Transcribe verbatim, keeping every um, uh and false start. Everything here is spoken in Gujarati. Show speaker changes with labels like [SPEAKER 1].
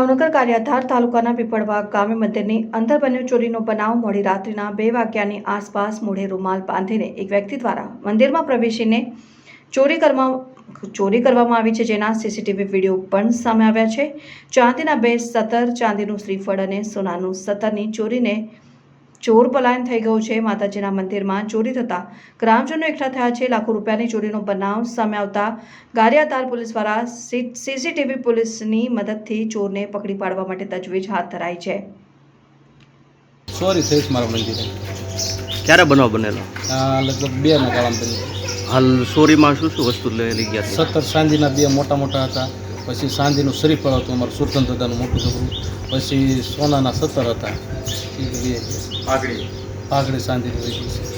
[SPEAKER 1] ભાવનગર કાર્યાધાર તાલુકાના પીપળવા ગામે મંદિરની અંદર બન્યો ચોરીનો બનાવ મોડી રાત્રિના બે વાગ્યાની આસપાસ મોઢે રૂમાલ બાંધીને એક વ્યક્તિ દ્વારા મંદિરમાં પ્રવેશીને ચોરી કરવા ચોરી કરવામાં આવી છે, જેના સીસીટીવી વિડીયો પણ સામે આવ્યા છે। ચાંદીના બે સતર, ચાંદીનું શ્રીફળ અને સોનાનું સતરની ચોરીને ચોર પલાયન થઈ ગયો છે। માતાજીના મંદિરમાં ચોરી થતા ગ્રામજનો એકઠા થયા છે। લાખો રૂપિયાની ચોરીનો બનાવ સામે આવતા ગારિયાધાર પોલીસ દ્વારા સીસીટીવી પોલીસની મદદથી ચોરને પકડી પાડવા માટે તજવીજ હાથ ધરાઈ છે।
[SPEAKER 2] ચોરી થઈ છે મારા મંદિરે।
[SPEAKER 3] ક્યારે બનાવ બનેલો?
[SPEAKER 2] આ લગભગ બે ના ગાળામાં બની।
[SPEAKER 3] હાલ ચોરીમાં શું શું વસ્તુ લઈ ગયા?
[SPEAKER 2] સત્તર ચાંદીના બે મોટા મોટા હતા, પછી ચાંદીનું શ્રીફળ હતું અમારું સુરતન દાદાનું મોટું છોકરું, પછી સોનાના સત્તર હતા, એ બે પાઘડી પાઘડી ચાંદીની હોય છે।